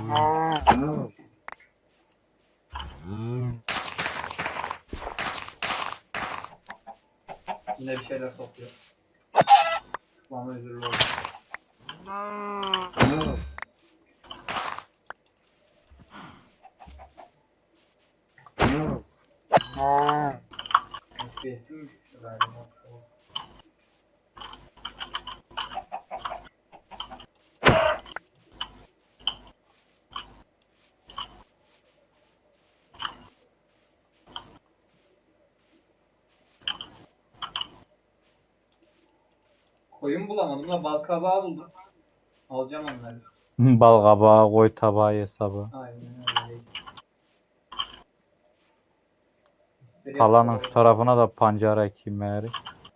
Yine bir şeyler topluyor. Bana özürlü oldu. FPS'im mi düştü galiba? Koyun bulamadım da balkabağı buldum. Alacağım onları. Bal kabağı, koy tabağı hesabı. Aynen öyle. İsteri Kalanın şu yapıyorlar. tarafına da pancara ekeyim meğeri.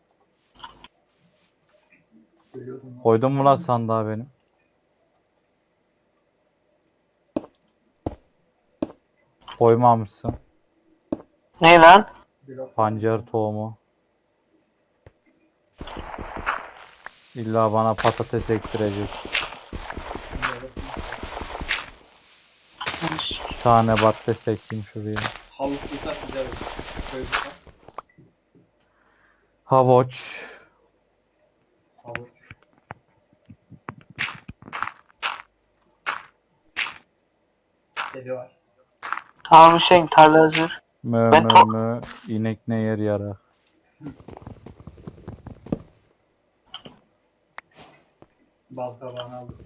Görüyordum lan. Koydun mu lan sandığa benim? Koymamışsın. Ne lan? Blok Pancar tohumu. İlla bana patates ektirecek. Bir tane patates ekeyim şuraya. Havuçluysak güzel olur. Koyulursa Havuç. havuç. Kedi var. Tamam Hüseyin, tarla hazır. Mö Ben mö to- mö. İnek ne yer yarar. Balkabağını aldım.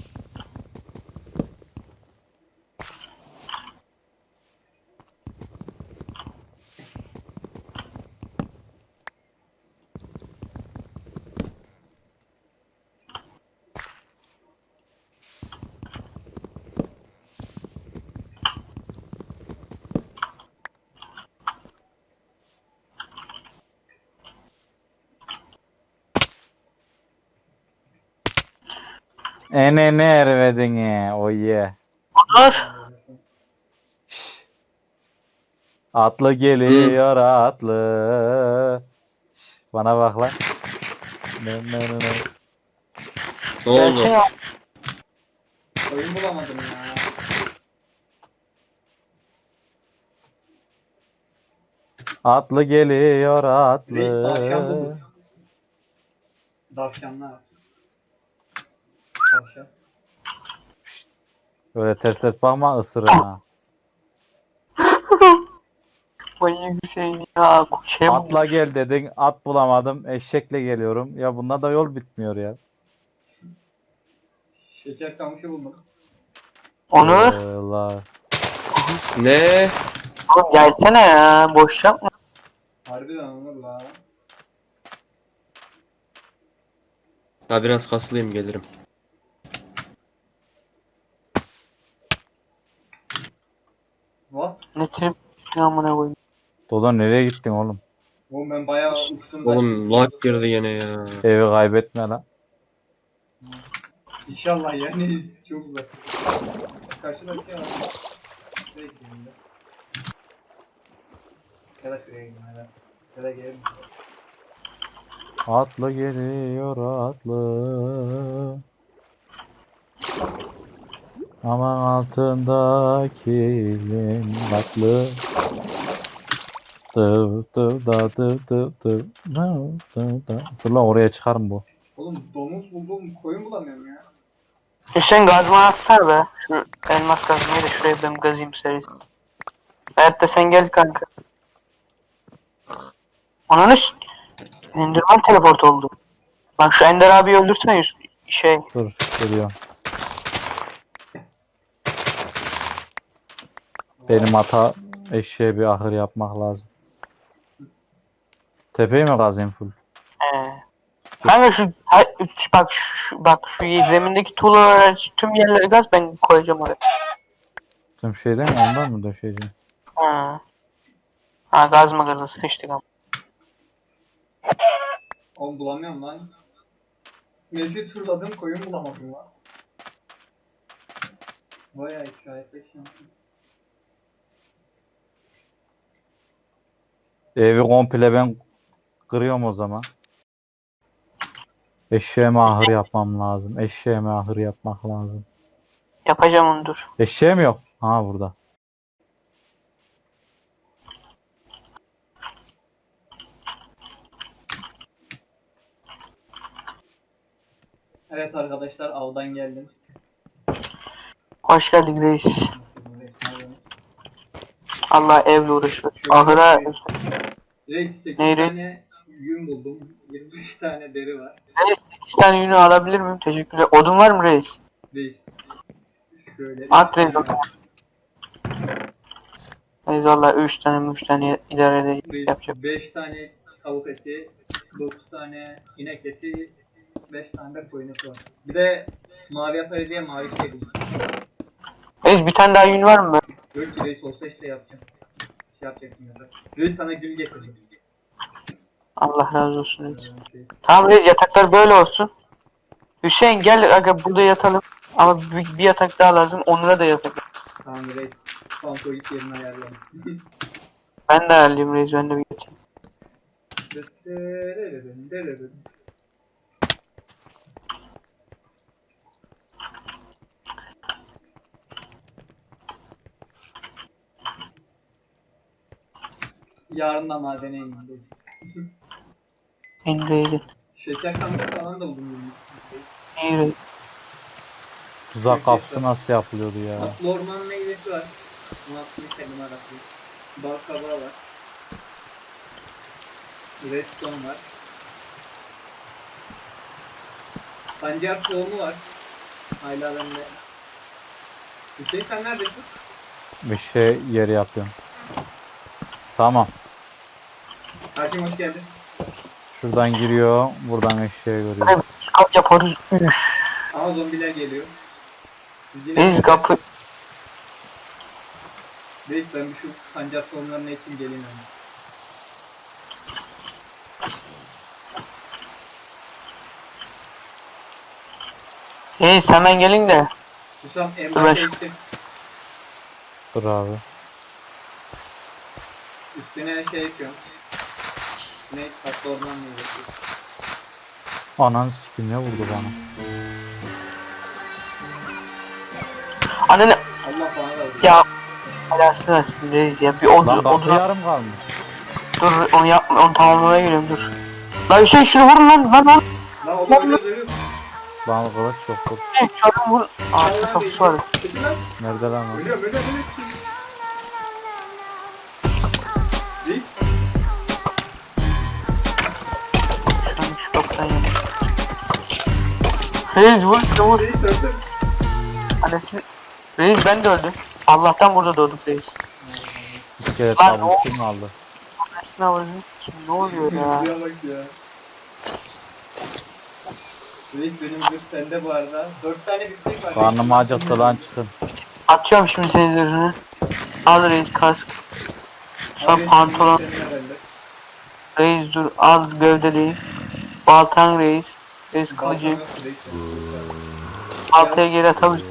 Enene ervedin o ye. Dur. Şşş. Atlı geliyor atlı. Şşş, bana bak lan. Ne. Ne oldu? Gelsene. Koyun bulamadım ya. Atlı geliyor Reis tavşan atlı. bulduk. Tavşanlar. Tavşan. Böyle ters bakma ısırın ha. Manyak Hüseyin ya. Şey Atla gel dedin, at bulamadım, eşekle geliyorum. Ya bunda da yol bitmiyor ya. Şeker kamışı buldum. Onur. Allah. Ne? Oğlum gelsene ya. Boş yapma. Harbiden Onur la. Ha biraz kaslıyım gelirim. What? Ne trip amına koyayım. Dodo nereye gittin oğlum? Oğlum ben bayağı uçtum da. Oğlum lag girdi yine ya. Evi kaybetme lan. İnşallah yani çok uzak. Karşıdaki var. Şuraya gideyim de. Ya da şuraya gideyim ya da. Ya da gelelim. Atlı geliyor atlı. Aman altındaki lim tatlı. Dıv dıv da dıv dıv dıv. Dur lan oraya çıkarım bu. Oğlum domuz buldum koyun bulamıyorum ya. Hüseyin gazma atsana be. Şu elmas kazmayı da şuraya ben gazayım seri. Hayatta sen gel kanka. Ananı Enderman teleport oldu. Bak şu Ender abiyi öldürsene şey. Dur geliyorum. Benim ata eşeğe bir ahır yapmak lazım. Tepeyi mi kazayım full? Kanka bak şu zemindeki tuğlalar tüm yerleri gaz ben koyacağım oraya. Tüm şeyden mi? Ondan mı döşeyeceğim? Ha. Ha gaz mı kırdı sıçtık ama. Oğlum bulamıyorum lan. Mevcut turladım koyun bulamadım lan. Bayağı hikayetle şansım. Evi komple ben kırıyorum o zaman. Eşeğime ahır yapmam lazım. Eşeğime ahır yapmak lazım. Yapacağım onu dur. Eşeğe mi yok? Ha burada. Evet arkadaşlar avdan geldim. Hoş geldin reis. Allah evle uğraşıyor. Ahıra Reis 8 Neyri? tane yün buldum. 25 tane deri var. reis 8 tane yünü alabilir miyim? Teşekkürler. Odun var mı reis? Reis. Şöyle. At üç reis. tane var. Reis valla 3 tane idare edecek yapacak. Reis 5 tane tavuk eti, 9 tane inek eti, 5 tane de koyun eti var. Bir de mavi yaparız diye mavi şey buldum. Reis bir tane daha yün var mı? Yok ki reis olsa işte yapacağım. Şey yapacaktım ya da. Reis sana gül getirdim. Allah razı olsun reis. Reis. Tamam reis yataklar böyle olsun. Hüseyin gel aga burada yatalım. Ama bir yatak daha lazım. Onur'a da yatak. Tamam reis. Spam point yerini ayarlayalım. Ben de ayarlayayım reis. Ben de bir yatayım. Yarından madene indim. En reis'in. Şeker kamışı falan da buldum. İyi reis. Tuzak kapısı nasıl yapılıyordu ya? Atlı orman meyvesi var. Bunu aslında kendim arattım. Bal kabağı var. Redstone var. Pancar tohumu var. Hala bende. Hüseyin sen neredesin? Bir şey yeri yapıyorum. Tamam. Haşim hoş geldin. Şuradan giriyor. Buradan eşeğe görüyor. Reis kap yaparız. Üf. Ama zombiler geliyor. Biz yine... Reis kapı. Reis ben bir şu pancar tohumlarını ekeyim geleyim yani. Reis hemen gelin de. Hüsam en Dur başa ben şu- ektim. Dur abi. Üstüne şey ekliyorum. Ne? Tatlı orman meyvesi. Ananı sikim ne vurdu bana? Anne Allah bana da vurdu. ya. Alasın versin reis ya. Bir Lan odun, kapı odun yarım kalmış. dur onu yapma onu tamamlamaya geliyorum dur. Lan Hüseyin şunu vurun lan. Lan o da öyle duruyor. Bana kılıç yok. Dur. Şu adamı vurun. Arka kapısı var. Çekil lan. Nerede lan o? Ölüyorum. Reis. Şu kapıdan yana. Reis vur şunu vur. Reis öldüm. Annesi. Reis ben de öldüm. Allah'tan burada doğduk reis. İskelet Lan tavuğu o- kim aldı? Annesine vurun. Kim ne oluyor ya? Şuraya bak ya. Reis benim zırh sende bu arada. 4 tane biftek var. Karnım acıktı lan çıkın. Atıyorum şimdi senin zırhını. Al reis kask. Sonra pantolon. Reis dur al gövdeliği. Baltan reis. Reis kılıcı. Baltaya geri atabilir.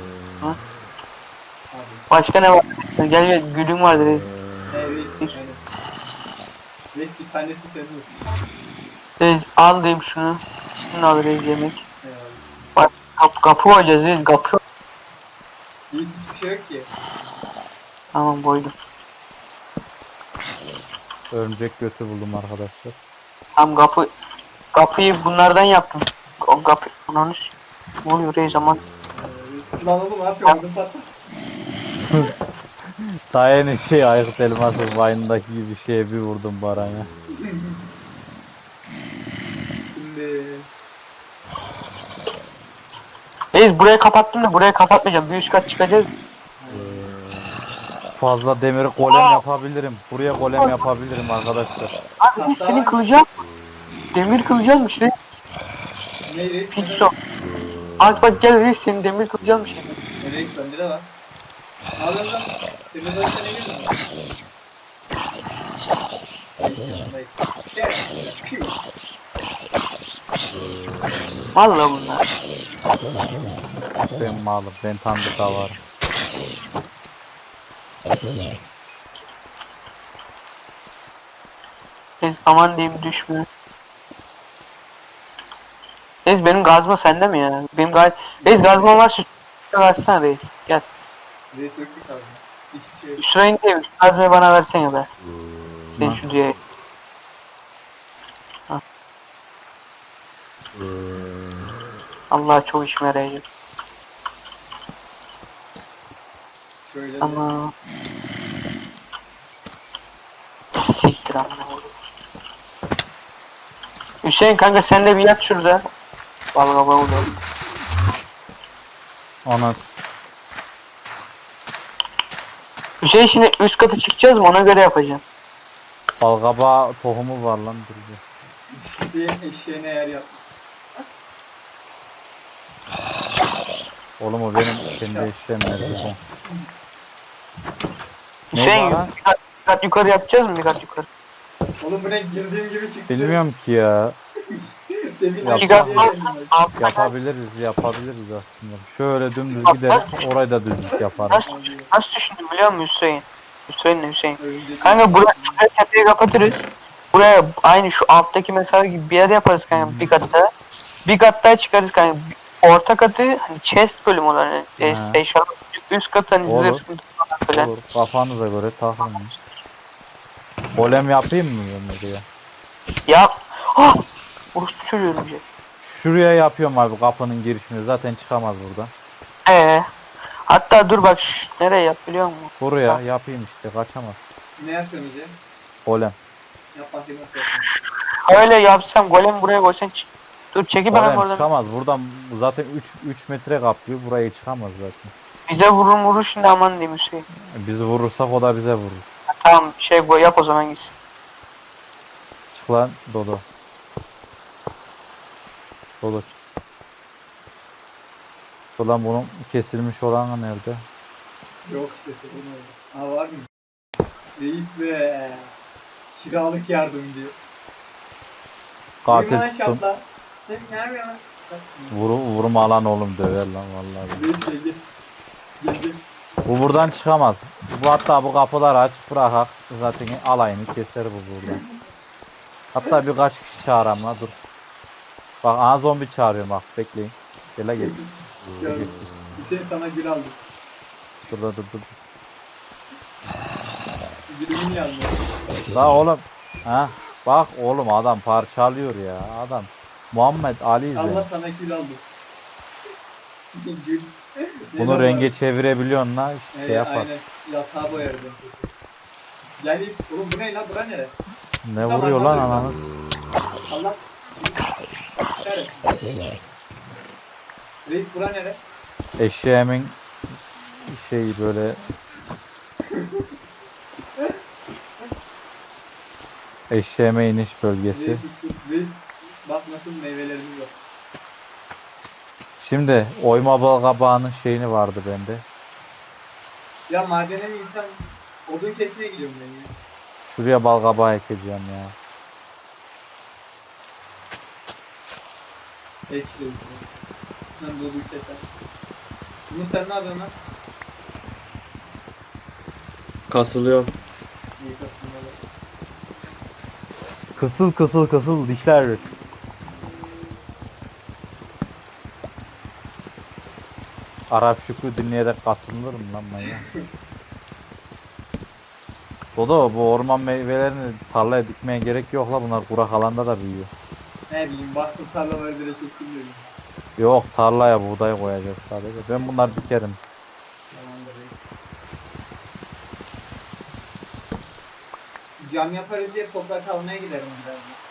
Başka ne var? Gel gel gülüm vardı reis. Reis. Reis bir tanesi senin olsun. Reis al diyeyim şunu. Şunu al reis yemek. Eyvallah. Bak kapı koyacağız reis kapı. Reis hiçbir şey yok ki. Tamam boydum. Örümcek götü buldum arkadaşlar. Tam kapıyı bunlardan yaptım. O kapı onu ne oluyor reis aman. Lan oğlum ne yapıyorsun? Ödüm patlat. Daha yeni şey Aykut Elmas'ın Vine'daki gibi şeye bir vurdum Baran'a. Şimdi... Reis burayı kapattım da burayı kapatmayacağım. Bir üst kat çıkacağız. Fazla demiri golem yapabilirim. Buraya golem yapabilirim arkadaşlar. Abi reis senin kılıcın demir kılıcınmış reis. Ne reis? Pixo. Abi bak gel reis senin demir kılıcınmış. Reis bende de var. Alın lan. Senin de ne girdin? Valla bunlar. Ben malım. Ben tanıdık var. Reis aman diyeyim düşmüyor. Reis benim gazma sende mi ya? Reis gazma var şu. Versene reis. Gel. Reis döktük abi. Hiçbir şey yok. Şurayı değil. Şu malzemeyi bana versene be. Senin Ha. şu diye. Allah çok işime yarayacak. Şöyle de. Ama... Siktir amına koyayım. Hüseyin kanka sen de bir yat şurada. Vallahi vallahi. Ona Hüseyin şimdi üst kata çıkacağız mı ona göre yapacağım. balgaba tohumu var lan duruyor. Hüseyin eşeğine yer yaptı. Oğlum o benim kendi eşeğim nerede? Ne Hüseyin bana? bir kat yukarı yapacağız mı bir kat yukarı? Oğlum bu ne girdiğim gibi çıktı. Bilmiyorum ki ya. Demin Yap- İki kat diye var. geldim ben. Altta Yapabiliriz aslında. Şöyle dümdüz gideriz, orayı da düzlük yaparız. nasıl düşündüm biliyor musun Hüseyin? Hüseyin ne Hüseyin? Örümcek- Kanka buraya tepeyi kapatırız. Buraya aynı şu alttaki mesafe gibi bir yer yaparız kanka bir katta. Bir kat daha çıkarız kanka. Orta katı hani chest bölümü olan yani Ha. eşyalar üst katı hani Olur. zırh falan böyle. Olur, kafanıza göre takılın. Golem yapayım mı ben buraya? Ya ah! Orospu söylüyorum bir. Şuraya yapıyorum abi kapının girişini. Zaten çıkamaz buradan. Hatta dur bak nereye yap biliyor musun? Buraya yapayım işte kaçamaz. Ne yapıyorsun Ece? Golem. Yap bakayım nasıl yapıyorsun. Öyle yapsam golem buraya koysan dur çeki bana Golem oradan. çıkamaz. Buradan zaten 3 metre kaplıyor. Buraya çıkamaz zaten. Bize vurur şimdi aman diyeyim Hüseyin. Biz vurursak o da bize vurur. Tamam şey koy yap o zaman gitsin. Çık lan Dodo. Dodo. Ulan bunun kesilmiş olanı nerede? Yok işte sorun oldu. Aa var mı? Reis be. Kiralık yardım diyor. Katil Uyuma tuttum. şapla. Sen ne yapıyorsun? Vurma lan oğlum döver lan vallahi. Reis gel gel. Gel gel. Bu buradan çıkamaz. Bu hatta bu kapıları açık bırakak. Zaten alayını keser bu buradan. Hatta birkaç kişi çağıram la dur. Bak ana zombi çağırıyorum bak bekleyin. Gel la gel. Gel. Hüseyin sana gül aldım. Şurada dur. Gülümün yandı. La oğlum. Ha? Bak oğlum adam parçalıyor ya adam. Muhammed Ali Allah izle. sana gül aldım. Gül. Bunu Neden renge var? çevirebiliyorsun la şey yapar. Aynen. Yatağa boyardım. Gel oğlum bu ne lan bura nere? Ne vuruyor lan ananı? Allah. Evet. Reis bura nere? Eşeğimin şey böyle eşeğime iniş bölgesi. Reis bak nasıl meyvelerimiz var. Şimdi oyma bal kabağının şeyini vardı bende. Ya madene mi insan odun kesmeye gidiyorum ben ya. Şuraya bal kabağı ekeceğim ya. Ekşi. Ben de odun keser. Bunu sen ne yapıyorsun lan? Kasılıyorum. İyi kasımlar. Kısıl dişler. Arap Şükrü dinleyerek kasılır mı lan manyak? Dodo bu orman meyvelerini tarlaya dikmeye gerek yok la bunlar kurak alanda da büyüyor. Ne bileyim bastım tarlaları direkt ektim dedim. Yok tarlaya buğday koyacağız sadece. Ben bunları dikerim. Tamamdır reis. Cam yaparız diye toprak almaya giderim birazdan.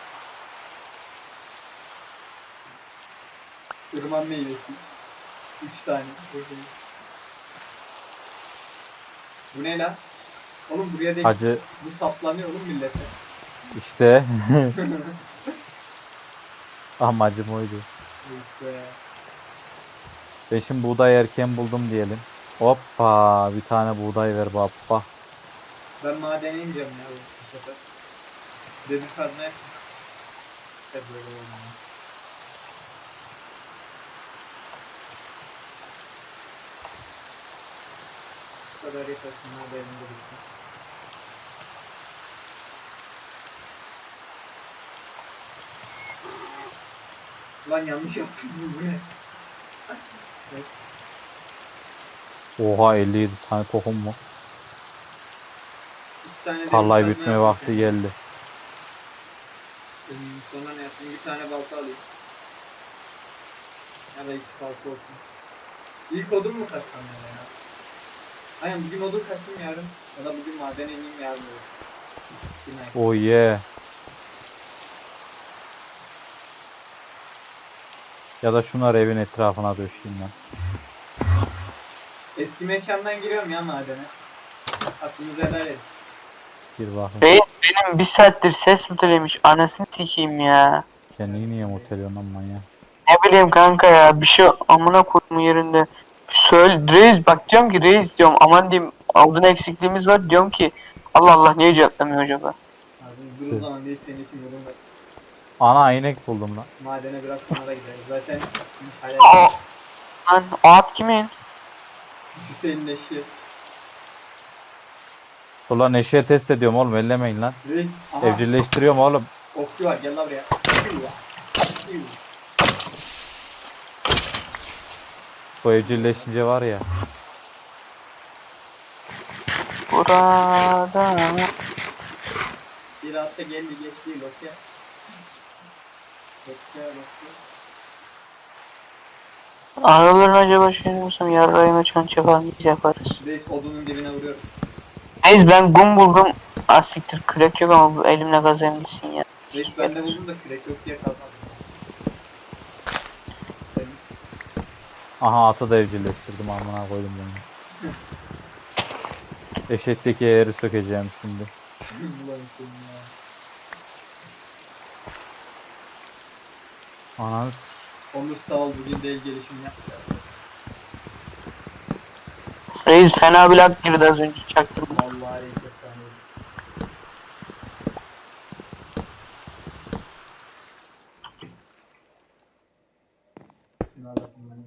Irman meyvesi. 3 tane. Bu ne lan? Oğlum buraya değil. Hacı Bu saplanıyor oğlum millete. işte amacım oydu. Reis be. Ben şimdi buğday erken buldum diyelim. Hoppa bir tane buğday ver baba. Ben madene ineceğim ya bu sefer. Demir kazmaya. Hep böyle olmuyor. Bu kadar yetersin madenin de bitsin. Lan yanlış yaptım bu ne? Evet. Oha 57 tane tohum mu? 2 tane demir Tarlayı kazma bitmeye yaptım vakti kendime. geldi. Sonra ne yapayım? Bir tane balta alayım. Ya da 2 balta olsun. İlk odun mu kaçsam ya? Aynen bugün odun kaçayım yarın. Ya da bugün madene ineyim yarın olur. Günaydın. Oh yeah. Ya da şunları evin etrafına döşeyim ben. Eski mekandan giriyorum ya madene. Aklınızı helal edin. Bir bakın. Reis benim bir saattir ses mütelemiş. Anasını sikeyim ya. Kendini niye muteliyorsun lan manyak? Ne bileyim kanka ya. Bir şey amına koyduğum yerinde. Söyle reis bak diyorum ki reis diyorum aman diyeyim aldığın eksikliğimiz var diyorum ki Allah Allah niye cevaplamıyor acaba? Abi dur o zaman değil senin için bulunmaz. Ana inek buldum lan. Madene biraz sonra da gideriz. Zaten Aa, lan o at kimin? Hüseyin'in eşi. Ulan eşeğe test ediyorum oğlum ellemeyin lan. Reis. Aha. Evcilleştiriyorum oğlum. Okçu var gel lan buraya. Bu evcilleşince var ya. Burada. Bir hafta geldi geç değil okey. Okey. Aralarına acaba şey diyorsam yarrağına çanç yapar mıyız yaparız. Reis odunun dibine vuruyorum. Neyse ben gum buldum. Asiktir kürek yok ama bu elimle kazayım gitsin ya. Reis ben de buldum da kürek yok diye kalmadım. Aha atı da evcilleştirdim amına koydum bunu. Eşekteki eğeri sökeceğim şimdi. Ulan Hüseyin ya. Ananı Onur sağ ol bugün değil gelişim yap. Reis fena bir lak girdi az önce çaktım. Vallahi reis efsane. Şunu alalım ben.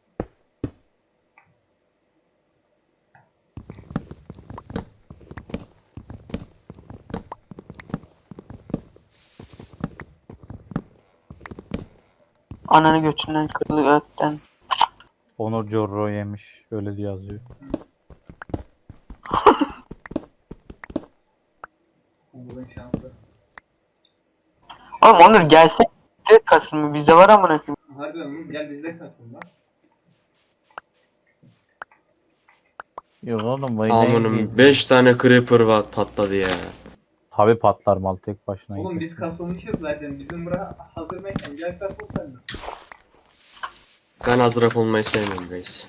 Ananı götünden kırdı götten. Onur Corro yemiş. Öyle diye yazıyor. Onur'un şansı. Oğlum Onur gelsek direkt kasılmıyor bizde var amına koyayım. Harbiden Onur gel bizde kalsın lan. Yok oğlum bu Amanım 5 tane creeper var patladı ya. Tabi patlar mal tek başına. Oğlum gider. biz kasılmışız zaten. Bizim bura hazır mekan. Gel kasıl sen de. Ben azrak olmayı sevmiyorum reis.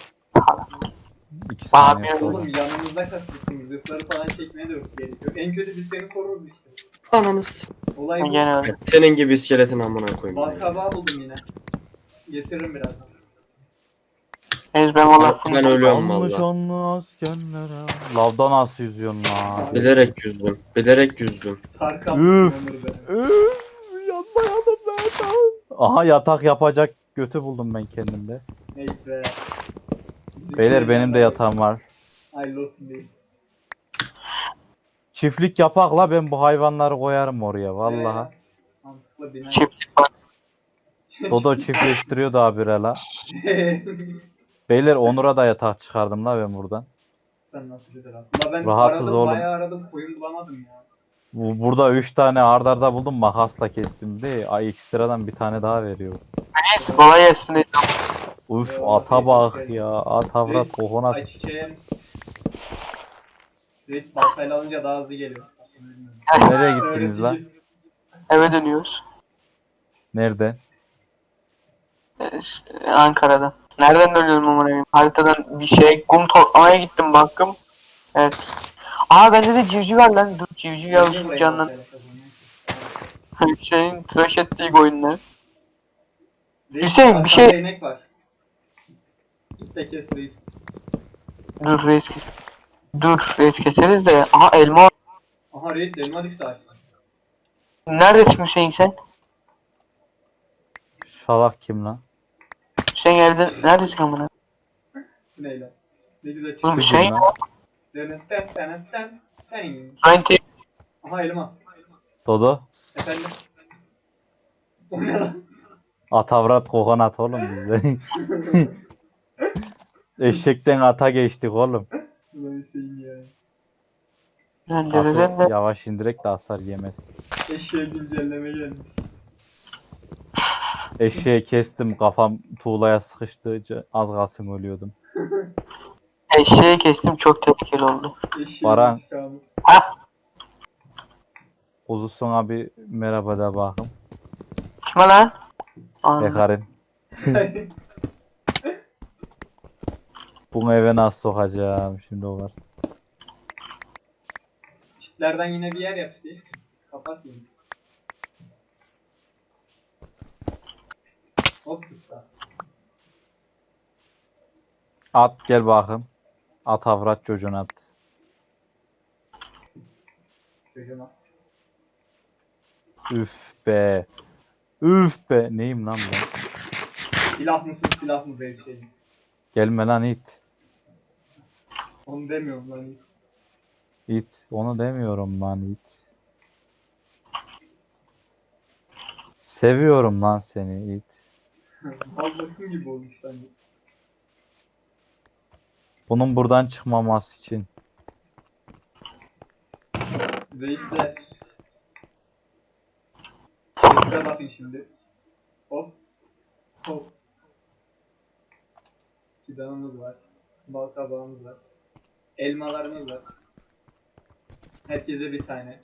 2 saniye Abi, sonra. Oğlum yanımızda kasılsın. Zırhları falan çekmeye de yok gerek yok. En kötü biz seni koruruz işte. Ananız. Olay bu. Gene öyle. Senin gibi iskeletin amına koyayım. Bal ya. kabağı buldum yine. Getiririm birazdan. Reis ben valla Ben ölüyorum Yanlış valla. anlı askerlere. Lavda nasıl yüzüyorsun lan? Bilerek yüzdüm. Bilerek yüzdüm. Tarkan Üf. mısın Onur benim? Yanmayalım ben. Aha yatak yapacak götü buldum ben kendimde. Neyse. Bizim Beyler köyün benim de yanında- yatağım var. Hayırlı olsun değil. Çiftlik yapakla ben bu hayvanları koyarım oraya vallahi. Mantıklı bina. çiftlik var. Dodo çiftleştiriyor da habire la. Beyler Onur'a da yatak çıkardım la ben buradan. Sen nasıl bir taraf? Ama ben Rahatız aradım oğlum. bayağı aradım koyun bulamadım ya. Burada 3 tane ardarda arda buldum makasla kestim de ay ekstradan bir tane daha veriyor. Reis kolay gelsin reis. Uf Eyvallah, ata reis, bak hoş ya at avrat Reis, kokonat. Ay çiçeğe misin? Reis baltayla alınca daha hızlı geliyor. Nereye gittiniz lan? Öğretici. Eve dönüyoruz. Nereden? Ankara'dan. Nereden dönüyorum amına koyayım? Haritadan bir şey kum toplamaya gittim baktım. Evet. Aa bende de civciv var lan. Dur civciv Niye yavrusu buraya canlan. baltayla kazanıyorsun? Senin tıraş ettiği oyunlar. Reis, Hüseyin, bir şey- arkanda inek var. Git de kes reis. Dur reis kes. Dur reis keseriz de. Aha elma var. Aha reis elma düştü ağaçtan. Neredesin Hüseyin sen? Şalak kim lan? Hüseyin evde neredesin amına? Bu ne lan? Ne güzel Dur çıkıyor. Şu Hüseyin. kim lan? Ten. Ben te Aha elma. Dodo. Efendim? O ne lan? At avrat kokonat oğlum bizde. Eşekten ata geçtik oğlum. Ulan Hüseyin ya. Atı yavaş indirek de hasar yemez. Eşeğe güncelleme gelmiş. Eşeği kestim kafam tuğlaya sıkıştı. Az kalsın ölüyordum. Eşeği kestim, çok tehlikeli oldu. Eşeğin Baran. intikamı. Kuzusun abi merhaba da bakım. Kime lan? Anladım. Ekarim. Bunu eve nasıl sokacağım şimdi o var. Çitlerden yine bir yer yap şey. Kapat yine. Hop tuttu. At gel bakım. At avrat çocuğuna at. Çocuğum at. Üf be. Üf be. Neyim lan ben? Silah mısın silah mı böyle bir şey. Gelme lan it. Onu demiyorum lan. İt. Onu demiyorum lan it. Seviyorum lan seni it. Ballasın gibi olmuş sanki. Bunun buradan çıkmaması için. Reisler. Reisler bakın şimdi. Hop. Hop. Fidanımız var. Bal kabağımız var. Elmalarımız var. Herkese bir tane.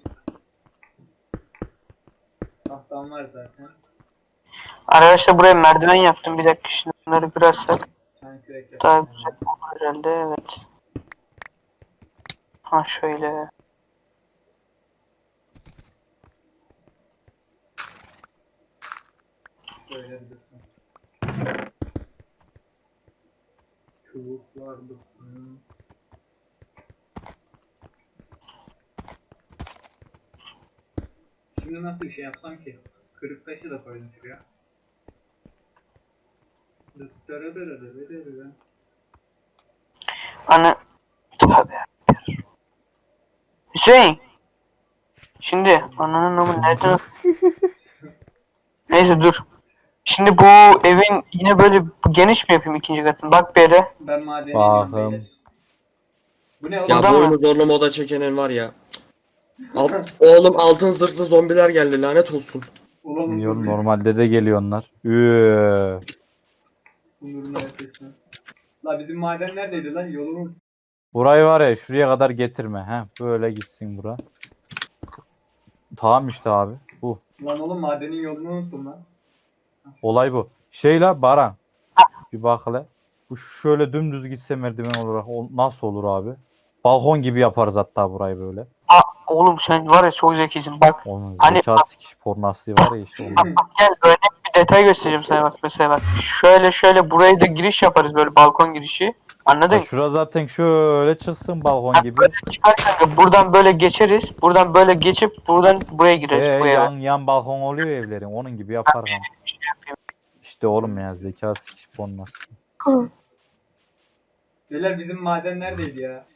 Tahtam var zaten. Arkadaşlar buraya merdiven yaptım. Bir dakika, şimdi bunları kırarsak Bir tane kürek daha yapalım. güzel olur herhalde. Evet. Ha şöyle. Şöyle bir dursun. Çubuklar dursun. Şimdi nasıl bir şey yapsam ki? Kırık taşı da koydum şuraya. Ana. Tövbe. Hüseyin. Şimdi ananın namı nereden? Neyse dur. Şimdi bu evin yine böyle geniş mi yapayım ikinci katını? Bak bir yere. Ben madene Bakım. iniyorum beyler. Bu ne oğlum? Ya Burada bu mı? oyunu zorlu moda çekenin var ya. Oğlum altın zırhlı zombiler geldi lanet olsun. Ulan Biliyorum Onur normalde de geliyor onlar. Üü. Onur'un hareketine. La bizim maden neredeydi lan? Yolumuz. Burayı var ya şuraya kadar getirme. He, böyle gitsin bura. Tamam işte abi. Bu. Lan oğlum madenin yolunu unuttum lan. Olay bu. Şey la Baran. Bir bak hele. Bu şöyle dümdüz gitse merdiven olarak nasıl olur abi? Balkon gibi yaparız hatta burayı böyle. Oğlum sen var ya çok zekisin. Bak Onun Hani- zeka sikiş pornası var ya işte onun. gel örnek bir detay göstereceğim sana, bak mesela bak. Şöyle buraya da giriş yaparız, böyle balkon girişi. Anladın Ya mı? şura zaten şöyle çıksın balkon gibi. Çıkarken buradan böyle geçeriz. Buradan böyle geçip buradan buraya gireriz bu eve. yan balkon oluyor evlerin. Onun gibi yapar lan. İşte oğlum ya zeka sikiş pornası. Beyler bizim maden neredeydi ya?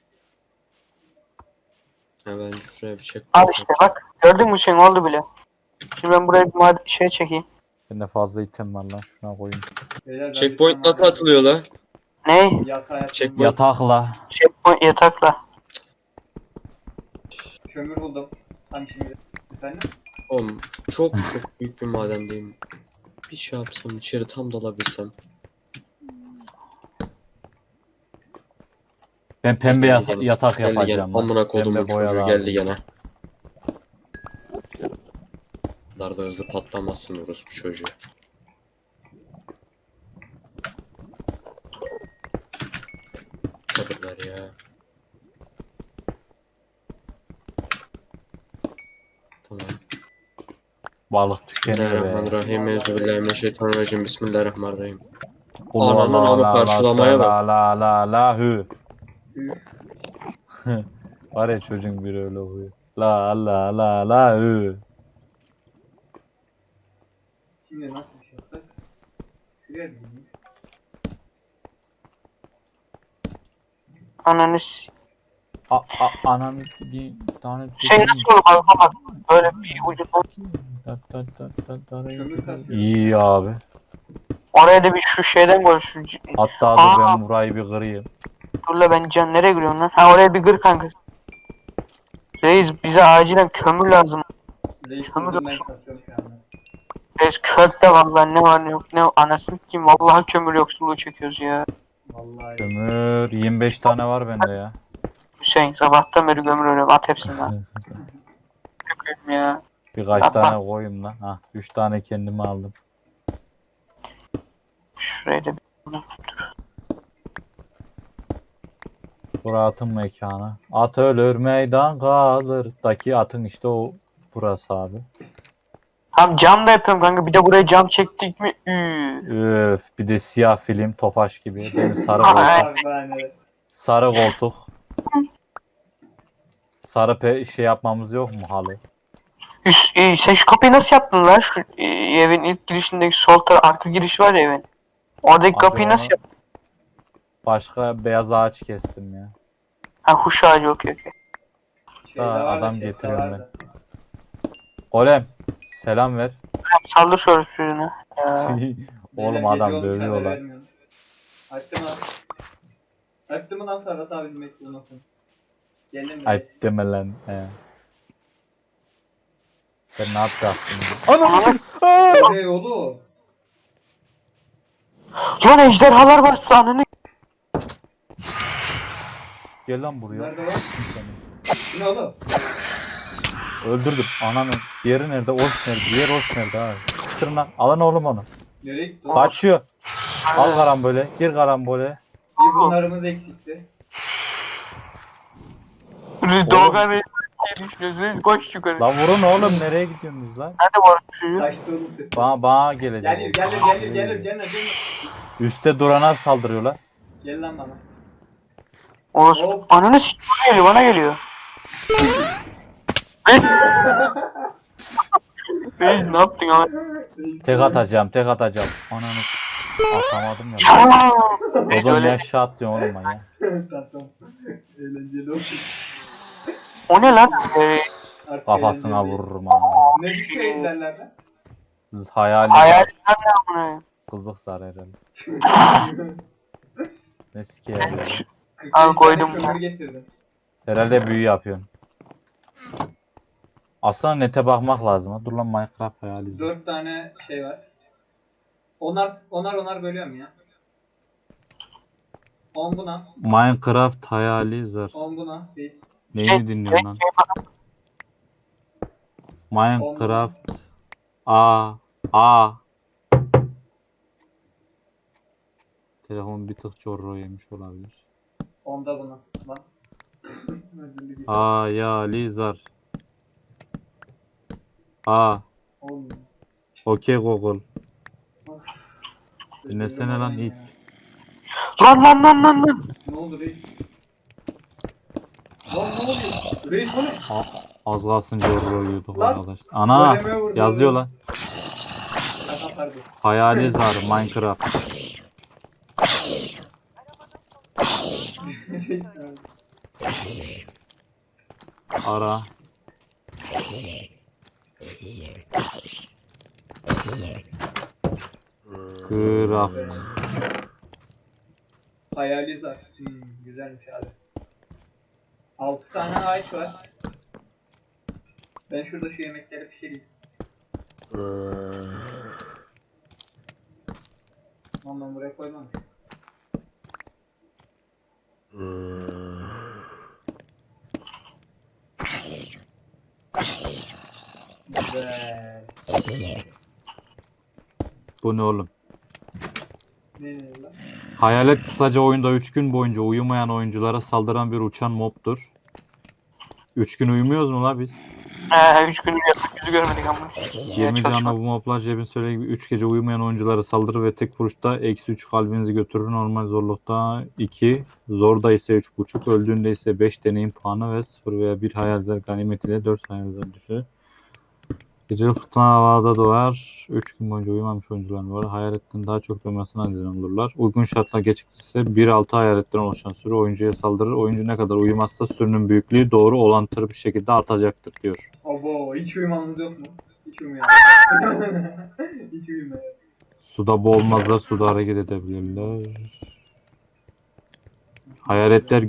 Hemen şuraya bir çek. Al işte bak. Gördün mü, şey oldu bile. Şimdi ben buraya bir şey çekeyim. Bende fazla item var lan şuna koyayım. Beyler, ben bir Checkpoint tane nasıl atılıyor la? Ne? Yatağa yatağım Checkpoint. var. Yatakla. Checkpoint yatakla. Kömür buldum. Tam şimdi. Efendim? Oğlum çok büyük bir madendeyim. Bir şey yapsam içeri tam dalabilsem. Ben pembe Geldi gene. yatak Geldi gene. yapacağım. lan. Amına kodumun Pembe boya çocuğu lazım. geldi gene. Bunlar da hızlı patlamasın orospu çocuğu. Sabırlar ya. Tamam. Balık tükeniyor be. Bismillahirrahmanirrahim. Euzubillahimineşşeytanirracim. Bismillahirrahmanirrahim. Kul Ananın la amı la karşılamaya la bak. la la la hü. Üf. Var ya çocuğun biri öyle oluyor. La la la la hü. Şimdi nasıl bir şey yapsak? Şuraya bir gideyim. Ananı s- Ananı bir tane Şey nasıl olur bak bak. Böyle bir ucu. Kömür kasıyor. İyi abi. Oraya da bir şu şeyden koy şu. Hatta dur Aa. ben burayı bir kırayım. Dur la ben can nereye giriyorum lan? Ha oraya bir gır kanka. Reis bize acilen kömür lazım. Reis Kömür kurdum ben yoksa- kasıyorum şu anda. Reis kökte vallahi ne var ne yok ne anasını kim vallahi kömür yoksulluğu çekiyoruz ya. Vallahi. Kömür 25 tane var bende ya. Hüseyin sabahtan beri kömür arıyorum at hepsini lan. Köküm ya. Birkaç Yapma. tane koyayım lan. Ha 3 tane kendime aldım. Şuraya da bir... Burası atın mekanı. At ölür meydan kalır. Daki atın işte o burası abi. Tamam cam da yapıyorum kanka bir de buraya cam çektik mi? Öf bir de siyah film Tofaş gibi. Değil mi? Sarı Ay. koltuk. Yani. Sarı koltuk. Sarı şey yapmamız yok mu halı? Sen şu kapıyı nasıl yaptın lan? Şu evin ilk girişindeki sol taraf arka giriş var ya evin. Oradaki Abi kapıyı nasıl onu- yaptın? Başka beyaz ağaç kestim ya. Ha huş ağacı okey. Şeyde Ha, var da, adam chest'te getiriyorum var da. Golem selam ver. Saldır şöyle sürünü. Oğlum Beyler, adam gece olmuş, haber dövüyorlar. vermiyorum. Açtım lan. Açtım lan Ferhat abi bekliyorsun. Gelin mi? Ayıp deme lan. He. Ben ne yapacaktım? Anam! Hey oğlum. Lan ejderhalar var sahneni. Gel lan buraya. Nerede var? Bu ne oğlum? Öldürdüm. Ananı. Diğeri nerede? Oş nerede? Diğer oş nerede abi? Çıtırın lan. Alın oğlum onu. Nereye gitti? Kaçıyor. Al karambole. Gir karambole. Bir bunlarımız eksikti. Doğukan Reis düşünüyorsunuz koş yukarı. Lan vurun oğlum. Nereye gidiyorsunuz lan? Nerede var çocuğu? Kaçtı oğlum. Bana gelecek. Gel. Üste durana saldırıyorlar. Gel lan bana. Orası. Hop. Ananı s*** bana geliyor. Reis ne yaptın ama? Tek atacağım. Ananı. Atamadım ya. Reis Oğlum öyle. yaşa atlıyor oğlum ben ya. Tatlım. Eğlenceli olsun. O ne lan? Artık Kafasına eğlenceli. vururum ha. Ne düşüyor ejderlerden? Hayali. Hayal ne amına? Kızlık zar herhalde. Ne sikeyim ya. 45 Al, koydum tane ben. kömür getirdim. Herhalde büyü yapıyorsun. Aslında nete bakmak lazım. Ha. Dur lan Minecraft hayali. 4 tane şey var. Onar bölüyorum ya. 10 buna, Minecraft hayali zar. 10 buna, 5. Neyini dinliyorsun lan? Minecraft A Telefon bir tık çorro yemiş olabilir. 10'da buna. Bak. Özür dilerim. Hayali zar. Olmuyor. Okey Google. Of. Dinlesene lan ilk. Lan. Ne oldu reis? Lan ne oluyor? Reis bu ne? Az kalsın çorro yiyorduk Lan, arkadaş. Ana goleme vurdu, yazıyor oğlum. lan. Şaka pardon. Hayali zar Minecraft. Reis, Ara. Craft. Hayali zar. Güzelmiş abi. 6 tane ağaç var. Ben şurada şu yemekleri pişireyim. Lan ben buraya koymamış. Güzel. Bu ne oğlum? Ne lan? Hayalet kısaca oyunda 3 gün boyunca uyumayan oyunculara saldıran bir uçan mobdur. 3 gün uyumuyoruz mu la biz? 3 gündür yaptık yüzü görmedik ama. 20 canlı bu moblar Cebin söylediği gibi 3 gece uyumayan oyunculara saldırır ve tek vuruşta -3 kalbinizi götürür. Normal zorlukta 2, zorda ise 3.5, öldüğünde ise 5 deneyim puanı ve 0 veya 1 hayalzer ganimet ile 4 hayalzer düşür. Geceli fırtına havada doğar. 3 gün boyunca uyumamış oyuncular var. Hayaletten daha çok dönmesine neden olurlar. Uygun şartlar gecikirse 1-6 hayaletten oluşan sürü oyuncuya saldırır. Oyuncu ne kadar uyumazsa sürünün büyüklüğü doğru orantılı bir şekilde artacaktır diyor. Abo hiç uyumamız yok mu? Hiç uyumayalım. Hiç uyumayalım. Suda boğulmazlar, suda hareket edebilirler. Hayaletler